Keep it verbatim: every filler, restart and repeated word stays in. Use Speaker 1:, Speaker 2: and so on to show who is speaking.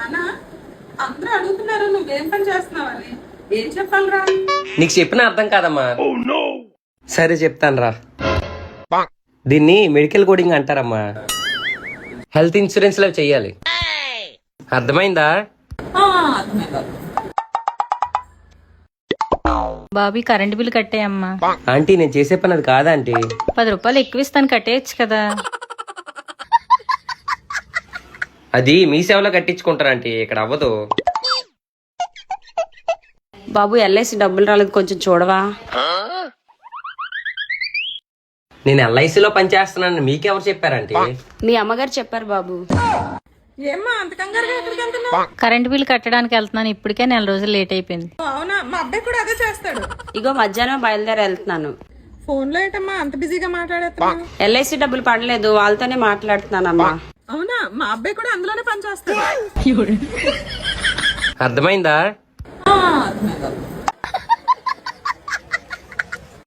Speaker 1: నానా అందరూ అడుగుతున్నారు నువ్వేం పని చేస్తున్నావని, ఏం చెప్పాలరా?
Speaker 2: నీకు చెప్పిన అర్థం కాదమ్మా. సరే చెప్తాను రా. దీన్ని మెడికల్ కోడింగ్ అంటారమ్మా. హెల్త్ ఇన్సూరెన్స్ లో చెయ్యాలి. అర్థమైందా?
Speaker 1: ఆ, అర్థమైంది.
Speaker 3: బాబీ కరెంట్ బిల్ కట్టేయమ్మా.
Speaker 2: ఆంటీ నేను చేసే పని అది కాదా ఆంటీ?
Speaker 3: పది రూపాయలు ఎక్కువ ఇస్తాను, కట్టేయచ్చు కదా.
Speaker 2: అది మీ సేవలో కట్టించుకుంటారు ఆంటీ, ఇక్కడ అవ్వదు.
Speaker 4: బాబు ఎల్ఐసి డబ్బులు రాలేదు, కొంచెం చూడవా?
Speaker 2: నేను ఎల్ఐసిలో పనిచేస్తున్నాను మీకెవరు చెప్పారంటీ?
Speaker 4: మీ అమ్మగారు చెప్పారు బాబు.
Speaker 1: ఏమ్మా అంత కంగారుగా ఎక్కడికి వెళ్తున్నావు?
Speaker 3: కరెంట్ బిల్ కట్టడానికి వెళ్తున్నాను, ఇప్పటికే నెల రోజులు లేట్ అయిపోయింది.
Speaker 1: అవునా, మా అబ్బాయి కూడా అదే చేస్తాడు.
Speaker 4: ఇగో మధ్యాహ్నం బయలుదేరి వెళ్తున్నాను.
Speaker 1: ఫోన్ లో ఏంటమ్మా అంత బిజీగా మాట్లాడేస్తున్నావు?
Speaker 4: ఎల్ఐసి డబ్బులు పడలేదు, వాళ్ళతోనే మాట్లాడుతున్నానమ్మా.
Speaker 1: అవునా, మా అబ్బాయి కూడా అందులోనే పని చేస్తాడు.
Speaker 2: అర్థమైందా?
Speaker 1: ఆ, అర్థమైంది.